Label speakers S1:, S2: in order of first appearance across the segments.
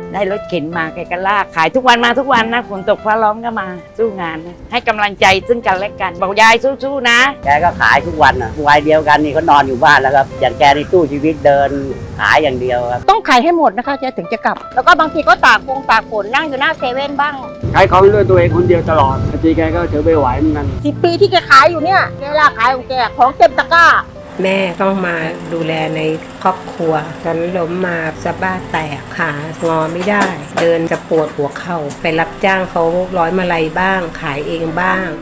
S1: ได้รถเข็นมาแกก็ลากขายทุกวันมาทุกวันนะฝนตกฟ้าร้องก็มาสู้งานนะให้กำลังใจซึ่งกันและกันบอกยายสู้ๆนะ
S2: แกก็ขายทุกวันอ่ะวัยเดียวกันนี่เขานอนอยู่บ้านแล้วครับอย่างแกในตู้ชีวิตเดินขายอย่างเดียวครับ
S3: ต้องขายให้หมดนะคะแกถึงจะกลับแล้วก็บางทีก็ตากฝนนั่งอยู่หน้าเซเว่นบ้าง
S4: ขายของด้วยตัวเองคนเดียวตลอดบางทีแกก็ถือไม่ไหวเหมือนกัน
S3: 10 ปีที่แกขายอยู่เนี่ยแกลากขายของแกของเต็มตะกร้า
S5: แม่ต้องมาดูแลในครอบครัวฉันล้มมาสะบ้าแตกขางอไม่ได้เดินจะปวดหัวเข่าไปรับจ้างเขาร้อยมาลัยบ้างขายเองบ้าง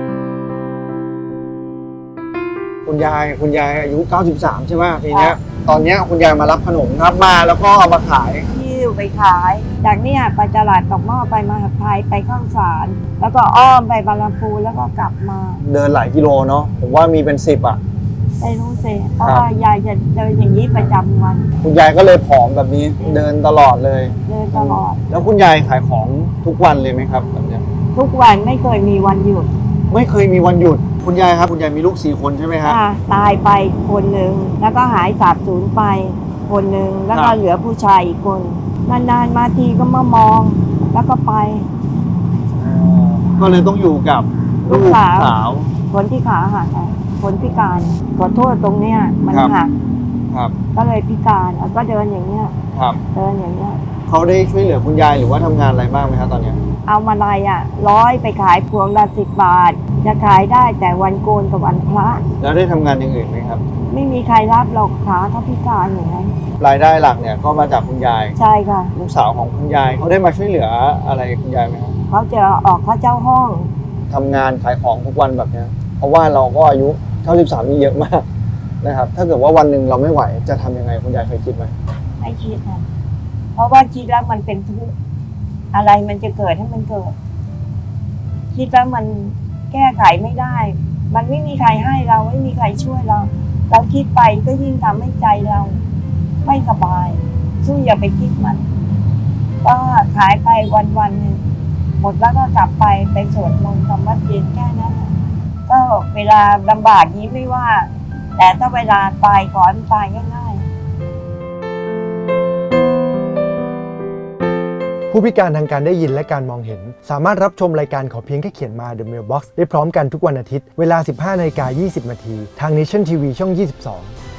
S6: คุณยายอายุ93ใช่ไหมปีนี้ตอนนี้คุณยายมารับขนมครับมาแล้วก็เอามาขาย
S7: ที่ไปขายจากเนี่ยไปตลาดตอกหม้อไปมหาไทยไปข้าวสารแล้วก็อ้อมไปบางลำพูแล้วก็กลับมา
S6: เดินหลายกิโลเนาะผมว่ามีเป็น10อ่ะ
S7: ไม่รู้สิเพราะว่ายายจะเดินอย่างนี้ประจำวัน
S6: คุณยายก็เลยผอมแบบนี้เดินตลอดเลย
S7: เดินตลอด
S6: แล้วคุณยายขายของทุกวันเลยไหมครับแบบนี้
S7: ทุกวันไม่เคยมีวันหยุด
S6: ไม่เคยมีวันหยุดคุณยายครับคุณยายมีลูก4 คนใช่ไหมครับ
S7: ตายไปคนหนึ่งแล้วก็หายสาบสูญไปคนหนึ่งแล้วก็เหลือผู้ชายอีกคนนานๆมาทีก็มามองแล้วก็ไป
S6: ก็เลยต้องอยู่กับลูกสาว
S7: คนที่ขาหักคนพิการขอโทษตรงเนี้ยมันหักก็เลยพิการก็เดินอย่างเนี้ยเดินอย่างเนี้ย
S6: เขาได้ช่วยเหลือคุณยายหรือว่าทำงานอะไรบ้างไหมครับตอนนี้
S7: เอามาลัย100ไปขายพวงละ10 บาทจะขายได้แต่วันโกนกับวันพระ
S6: แล้วได้ทำงานอย่างอื่นไหมครับ
S7: ไม่มีใครรับหรอกขาเขาพิการอย่างนั้น
S6: รายได้หลักเนี่ยก็มาจากคุณยาย
S7: ใช่ค่ะ
S6: ลูกสาวของคุณยายเขาได้มาช่วยเหลืออะไรคุณยายไหมครับ
S7: เขาจะออกค่าเช่าห้อง
S6: ทำงานขายของทุกวันแบบนี้เพราะว่าเราก็อายุ93นี่เยอะมากนะครับถ้าเกิดว่าวันหนึ่งเราไม่ไหวจะทำยังไงคุณยายเคยคิดไหม
S7: ไม่คิดนะเพราะว่าคิดแล้วมันเป็นทุกข์อะไรมันจะเกิดให้มันเกิดคิดแล้วมันแก้ไขไม่ได้มันไม่มีใครให้เราไม่มีใครช่วยเราคิดไปก็ยิ่งทำให้ใจเราไม่สบายสู้อย่าไปคิดมันก็ขายไปวันหนึ่งหมดแล้วก็กลับไปสวดมนต์ทำวัดเย็นแค่นั้นก็เวลาลำบากนี้ไม่ว่าแต่ถ้าเวลาตายขอให้ตายง่าย
S8: ผู้พิการทางการได้ยินและการมองเห็นสามารถรับชมรายการขอเพียงแค่เขียนมา The Mailbox ได้พร้อมกันทุกวันอาทิตย์เวลา 15:20 น.ทาง Nation TV ช่อง 22